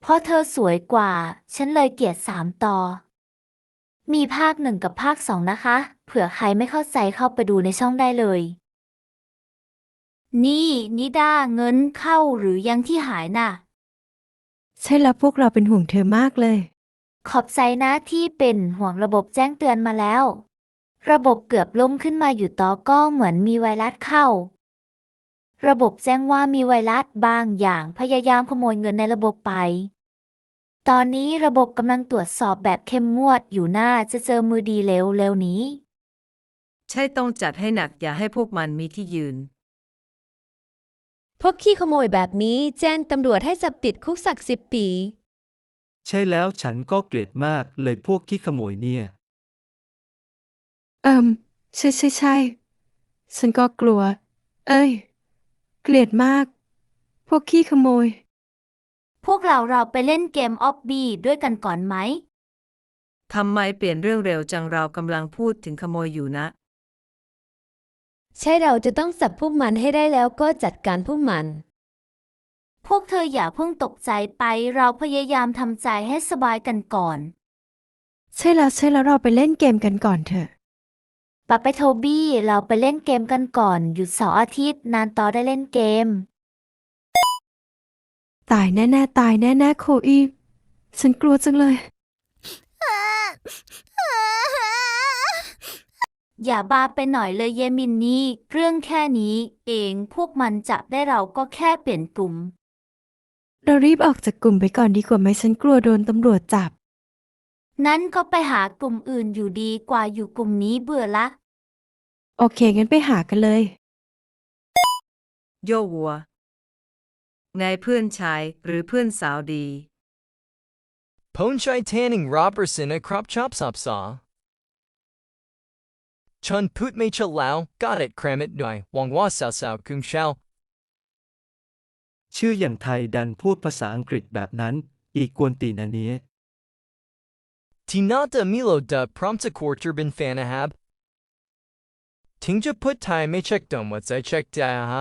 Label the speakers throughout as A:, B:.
A: เพราะเธอสวยกว่า ฉันเลยเกลียด3 ตอนมีภาค 1กับภาค 2นะคะ เผื่อใครไม่เข้าใจเข้าไปดูในช่องได้เลย นี่นิดาเงินเข้าหรือยังที่หายน่ะ
B: ใช่แล้วพวกเราเป็นห่วงเธอมากเลย
A: ขอบใจนะที่เป็นห่วงระบบแจ้งเตือนมาแล้ว ระบบเกือบล่มขึ้นมาอยู่ต่อก็เหมือนมีไวรัสเข้า ระบบแจ้งว่ามีไวรัสบางอย่างพยายามขโมยเงินในระบบไป ตอนนี้ระบบกำลังตรวจสอบแบบเข้มงวดอยู่น่าจะเจอมือดีเร็วๆนี้
C: ใช่ต้องจัดให้หนักอย่าให้พวกมันมีที่ยืน
D: พวกขี้ขโมยแบบนี้แจ้งตำรวจให้จับติดคุกสัก10 ปี
E: ใช่แล้วฉันก็เกลียดมากเลยพวกขี้ขโมยเนี่ย
B: ใช่ ฉันก็กลัว เอ้ย เกลียดมาก พวกขี้ขโมย
A: พวกเราไปเล่นเกมออบบี้ด้วยกันก่อนไหม
C: ทำไมเปลี่ยนเรื่องเร็วจังเรากำลังพูดถึงขโมยอยู่นะ
D: ใช่เราจะต้องจับพวกมันให้ได้แล้วก็จัดการพวกมัน
A: พวกเธออย่าเพิ่งตกใจไปเราพยายามทำใจให้สบายกันก่อน
B: ใช่แล้วเราไปเล่นเกมกันก่อนเถอะ
A: ปะไปโทบี้เราไปเล่นเกมกันก่อนหยุดเสาร์อาทิตย์นานต่อได้เล่นเกม
B: ตายแน่โคอีฉันกลัวจังเลย
A: อย่าบ้าไปหน่อยเลยเยมินนี่เรื่องแค่นี้เองพวกมันจับได้เราก็แค่เปลี่ยนกลุ่ม
B: เรารีบออกจากกลุ่มไปก่อนดีกว่าไหมฉันกลัวโดนตำรวจจับ
A: นั้นก็ไปหากลุ่มอื่นอยู่ดีกว่าอยู่กลุ่มนี้เบื่อละ
B: โอเคงั้นไปหากันเลย
C: โยวัวไงเพื่อนชายหรือเพื่อนสาวดี
F: Ponchai Tanning Robertson a crop chop sop saw. Chun put me cha lao, got it cram it doi, wang wa sao sao kung shao.
E: ชื่ออย่างไทยดันพูดภาษาอังกฤษแบบนั้น อีกกวนตีนอันเนี้ย
F: Tinata Milo da prompta quarter bin fanahab. Tingja put time me check dum what's I checked ha.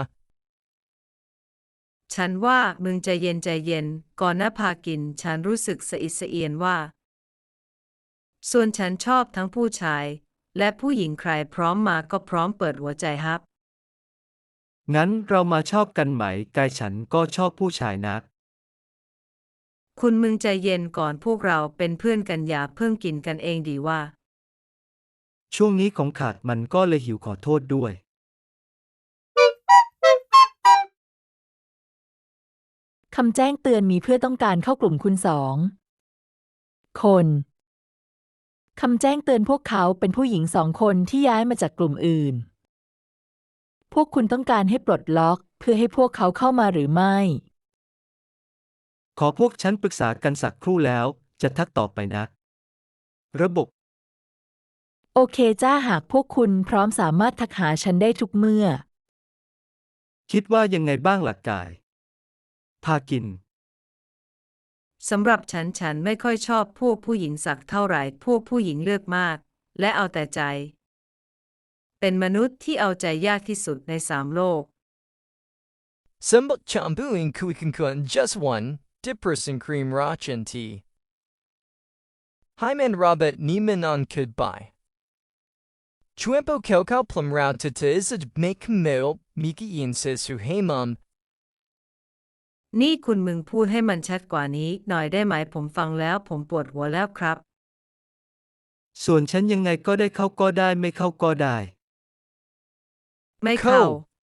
C: ฉันว่ามึงใจเย็นก่อนนะพากินฉันรู้สึกสะอิดสะเอียนว่า ส่วนฉันชอบทั้งผู้ชาย และผู้หญิงใครพร้อมมาก็พร้อมเปิดหัวใจฮับ
E: งั้นเรามาชอบกันไหมกายฉันก็ชอบผู้ชายนัก
C: คุณมึงใจเย็นก่อนพวกเราเป็นเพื่อนกันอย่าเพิ่งกินกันเองดีว่า
E: ช่วงนี้ของขาดมันก็เลยหิวขอโทษด้วย
G: คำแจ้งเตือนมีเพื่อต้องการเข้ากลุ่มคุณ2 คน คำแจ้งเตือนพวกเขาเป็นผู้หญิง2 คนที่ย้ายมาจากกลุ่มอื่น พวกคุณต้องการให้ปลดล็อกเพื่อให้พวกเขาเข้ามาหรือไม่
E: ขอพวกฉันปรึกษากันสักครู่แล้วจะทักต่อไปนะ ระบบ
G: โอเคจ้าหากพวกคุณพร้อมสามารถทักหาฉันได้ทุกเมื่อ
E: คิดว่ายังไงบ้างหลักกาย พากิน
C: สำหรับฉันไม่ค่อยชอบพวกผู้หญิงสักเท่าไหร่พวกผู้หญิงเลือกมาก และเอาแต่ใจ เป็นมนุษย์ที่เอาใจยากที่สุดใน3 โลก
F: Sembot chambu in kuikunkun just one, dipperson cream roch and tea. Hyman Robert Nieman on could buy. Chuempo kelkau plum route to isaj make mail, miki yin says who hey mum.
C: นี่คุณมึงพูดให้มันชัดกว่านี้หน่อยได้ไหมผมฟังแล้วผมปวดหัวแล้วครับ
E: ส่วนฉันยังไงก็ได้เข้าก็ได้ไม่เข้าก็ได้
C: ไม่เข้า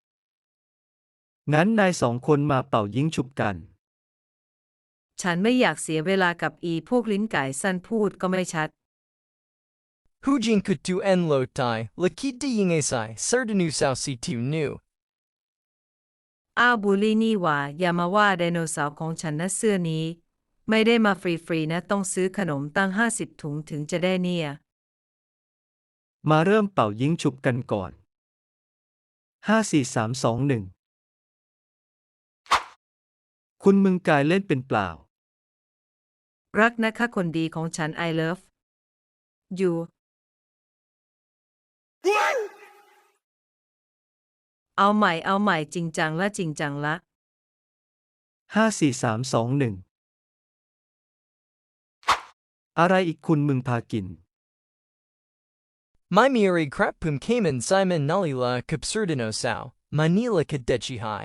E: งั้นนาย2 คนมาเป่ายิงฉุบกัน
C: ฉันไม่อยากเสียเวลากับพวกลิ้นไก่สั้นพูดก็ไม่ชัด
F: Hujin could do en lo tai, lakit de ying asai, certainu sao si tu nu.
C: อ้าวบูลลี่นี่หว่าอย่ามาว่าไดโนเสาร์ของฉันนะเสื้อนี้ ไม่ได้มาฟรีๆนะต้องซื้อขนมตั้ง50 ถุงถึงจะได้เนี่ย
E: มาเริ่มเป่ายิงฉุบกันก่อน 5 4 3 2 1 คุณมึงกายเล่นเป็นเปล่า
C: รักนะคะคนดีของฉัน I love you เอาใหม่จริงจังละ
E: 5 4 3 2 1 อะไรอีกคุณมึงพากิน
F: My Miri crap pum Cayman Simon Nalila Capsurdino Sao, Manila Kadechi High.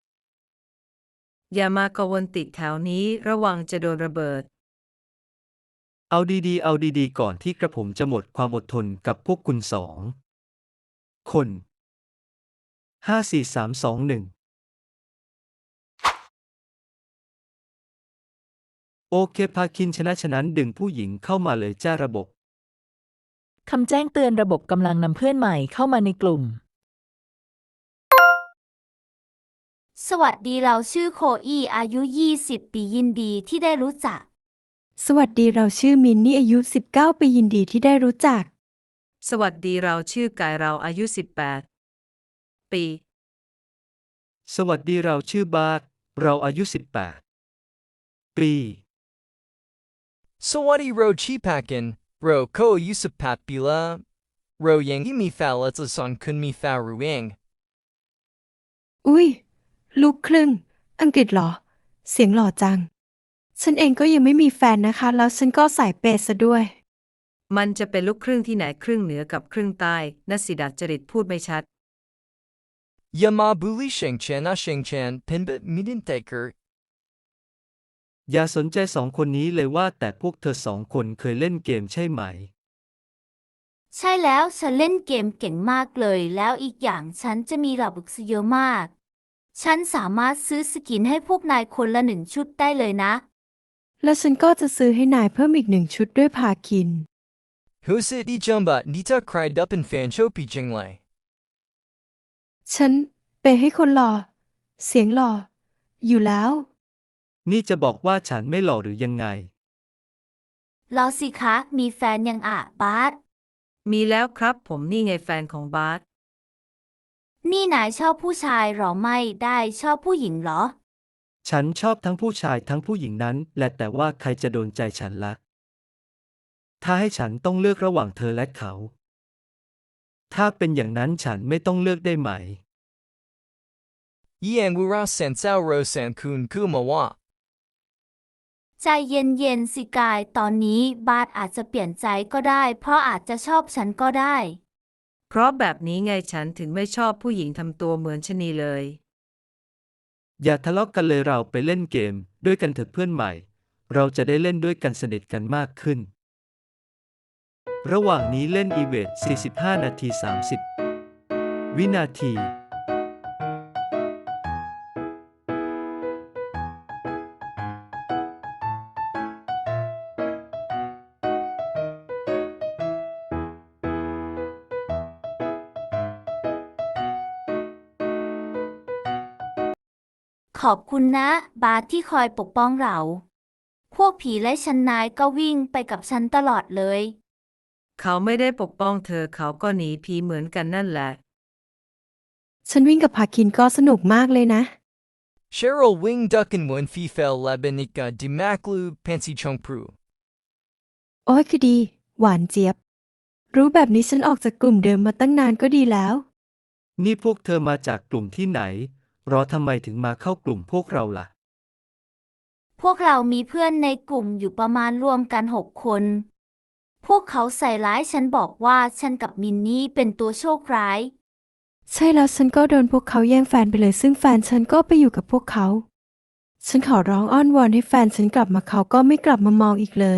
C: อย่ามากระวนติดแถวนี้ระวังจะโดนระเบิด
E: เอาดีๆ เอาดีๆ ก่อนที่กระผมจะหมดความอดทนกับพวกคุณสองคน5 4 3 2 1โอเคพาคินฉะนั้นดึงผู้หญิงเข้ามาเลยจ้าระบบ
G: คำแจ้งเตือนระบบกำลังนำเพื่อนใหม่เข้ามาในกลุ่ม
A: สวัสดีเราชื่อโคอี้อายุ 20 ปียินดีที่ได้รู้จัก
B: สวัสดีเราชื่อมินนี่อายุ 19 ปียินดีที่ได้รู้จัก
C: สวัสดีเราชื่อกายเราอายุ 18 ปี
E: สวัสดีเราชื่อบาสเราอายุ 18 ปี
F: Sawadi ro chipakin, ro ko yusupap bila, ro yangi mi fa let's son kun mi fa ruang.
B: อุ๊ย ลูกครึ่ง อังกฤษเหรอ เสียงหล่อจัง ฉันเองก็ยังไม่มีแฟนนะคะ แล้วฉันก็สายเปย์ซะด้วย
C: มันจะเป็นลูกครึ่งที่ไหนครึ่งเหนือกับครึ่งใต้นสิดัดจริตพูดไม่ชัด
F: Yama buli shengchan a shengchan pinbit midin taker.
E: อย่าสนใจสองคนนี้เลยว่าแต่พวกเธอสองคนเคยเล่นเกมใช่ไหม
A: ใช่แล้วฉันเล่นเกมเก่งมากเลยแล้วอีกอย่างฉันจะมีระบบเยอะมาก ฉันสามารถซื้อสกินให้พวกนายคนละ1 ชุดได้เลยนะ
B: แล้วฉันก็จะซื้อให้นายเพิ่มอีก1 ชุดด้วยพาคิน
F: Husit di jumba nita cried up in fan chopi jinglai.
B: ฉันเปย์ให้คนหล่อ เสียงหล่อ อยู่แล้ว
E: นี่จะบอกว่าฉันไม่หล่อหรือยังไง
A: รอสิคะ มีแฟนยังอ่ะบาส
C: มีแล้วครับผมนี่ไงแฟนของบาส
A: นี่นายชอบผู้ชายหรอไม่ได้ชอบผู้หญิงเหรอ
E: ฉันชอบทั้งผู้ชายทั้งผู้หญิงนั้นและแต่ว่าใครจะโดนใจฉันละถ้าให้ฉันต้องเลือกระหว่างเธอและเขา ถ้าเป็นอย่างนั้นฉันไม่ต้องเลือกได้ไหม
F: Yang wura san sao ro san kun kumawa.
A: ใจเย็นๆสิกายตอนนี้บาสอาจจะเปลี่ยนใจก็ได้ เพราะอาจจะชอบฉันก็ได้
C: เพราะแบบนี้ไงฉันถึงไม่ชอบผู้หญิงทำตัวเหมือนชะนีเลย
E: อย่าทะเลาะกันเลยเราไปเล่นเกมด้วยกันเถอะเพื่อนใหม่ เราจะได้เล่นด้วยกันสนิทกันมากขึ้น ระหว่างนี้เล่นอีเวนต์45 นาที 30 วินาที
A: ขอบคุณนะ บาสที่คอยปกป้องเรา พวกผีและฉันนายก็วิ่งไปกับฉันตลอดเลย
C: เขาไม่ได้ปกป้องเธอเขาก็หนีผีเหมือนกันนั่นแหละ
B: ฉันวิ่งกับพาคินก็สนุกมากเลยนะ
F: Cheryl wing duckin wun fi fel labenika di maklu pansy chung pru.
B: โอ้ยคือดี หวานเจี๊ยบ รู้แบบนี้ฉันออกจากกลุ่มเดิมมาตั้งนานก็ดีแล้ว
E: นี่พวกเธอมาจากกลุ่มที่ไหน รอทำไมถึงมาเข้ากลุ่มพวกเราล่ะ
A: พวกเรามีเพื่อนในกลุ่มอยู่ประมาณรวมกัน6 คน พวกเขาใส่ร้ายฉันบอกว่าฉันกับมินนี่เป็นตัวโชคร้าย
B: ใช่แล้วฉันก็โดนพวกเขาแย่งแฟนไปเลย ซึ่งแฟนฉันก็ไปอยู่กับพวกเขา ฉันขอร้องอ้อนวอนให้แฟนฉันกลับมาเขาก็ไม่กลับมามองอีกเลย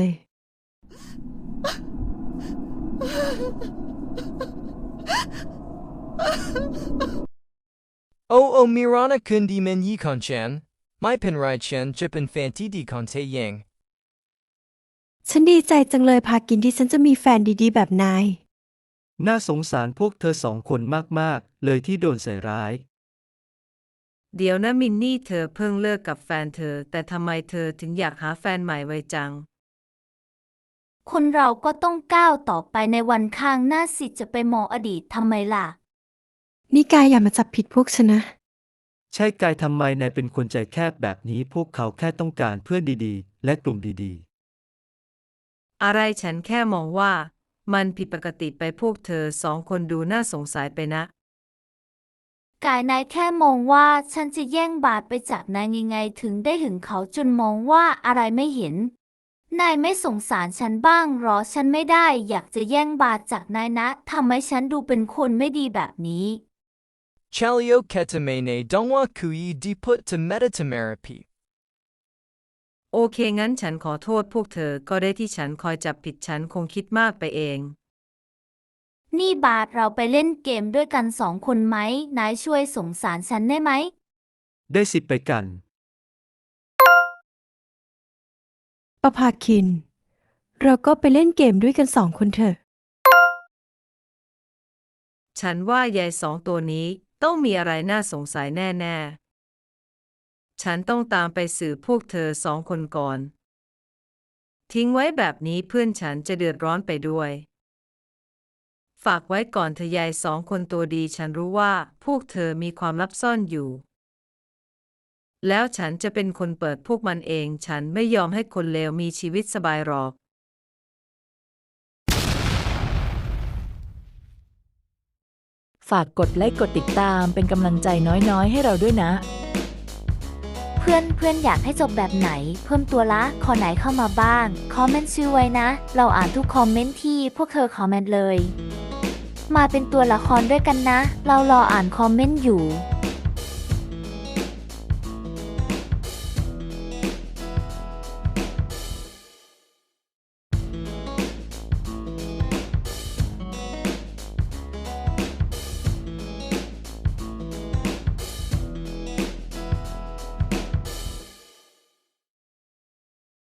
F: Oh mirana kundi men yi konchan, my penrai chen jippen fanti di konte yang.
B: ฉันดีใจจังเลยพากินที่ฉันจะมีแฟนดีๆแบบนาย
E: น่าสงสารพวกเธอสองคนมากๆ เลยที่โดนใส่ร้าย
C: เดี๋ยวนะมินนี่เธอเพิ่งเลิกกับแฟนเธอแต่ทำไมเธอถึงอยากหาแฟนใหม่ไวจัง
A: คนเราก็ต้องก้าวต่อไปในวันข้างหน้าสิจะไปมองอดีตทำไมล่ะ
B: นี่กายอย่ามาจับผิดพวกฉันนะ
E: ใช่กายทำไมนายเป็นคนใจแคบแบบนี้พวกเขาแค่ต้องการเพื่อนดีๆ และกลุ่มดี
C: อะไรฉันแค่มองว่า มันผิดปกติไปพวกเธอสองคนดูน่าสงสัยไปนะ
A: กายนายแค่มองว่าฉันจะแย่งบาสไปจากนายยังไงถึงได้หึงเขาจนมองว่าอะไรไม่เห็นนายไม่สงสารฉันบ้างหรอฉันไม่ได้อยากจะแย่งบาทจากนายนะทำให้ฉันดูเป็นคนไม่ดีแบบนี้
F: Chalio ketamene dongwa kui di put to metatamerapi.
C: โอเคงั้นฉันขอโทษพวกเธอก็ได้ที่ฉันคอยจับผิดฉันคงคิดมากไปเอง
A: นี่บาทเราไปเล่นเกมด้วยกัน2 คนไหมนายช่วยสงสารฉันได้ไหม
E: ได้สิไปกัน
B: ประภาคิน เราก็ไปเล่นเกมด้วยกัน2 คนเถอะ
C: ฉันว่ายาย2 ตัวนี้ต้องมีอะไรน่าสงสัยแน่ๆ ฉันต้องตามไปสืบพวกเธอ2 คนก่อน ทิ้งไว้แบบนี้เพื่อนฉันจะเดือดร้อนไปด้วย ฝากไว้ก่อนเธอยาย2 คนตัวดีฉันรู้ว่าพวกเธอมีความลับซ่อนอยู่ แล้วฉันจะเป็นคนเปิดพวกมันเองฉันไม่ยอมให้คนเลวมีชีวิตสบายหรอก
G: ฝากกดไลค์กดติดตามเป็นกำลังใจน้อยๆให้เราด้วยนะ
A: เพื่อนอยากให้จบแบบไหน เพิ่มตัวละขอไหนเข้ามาบ้าง คอมเมนต์ชื่อไว้นะ เราอ่านทุกคอมเมนต์ที่พวกเธอคอมเมนต์เลย มาเป็นตัวละครด้วยกันนะ เรารออ่านคอมเมนต์อยู่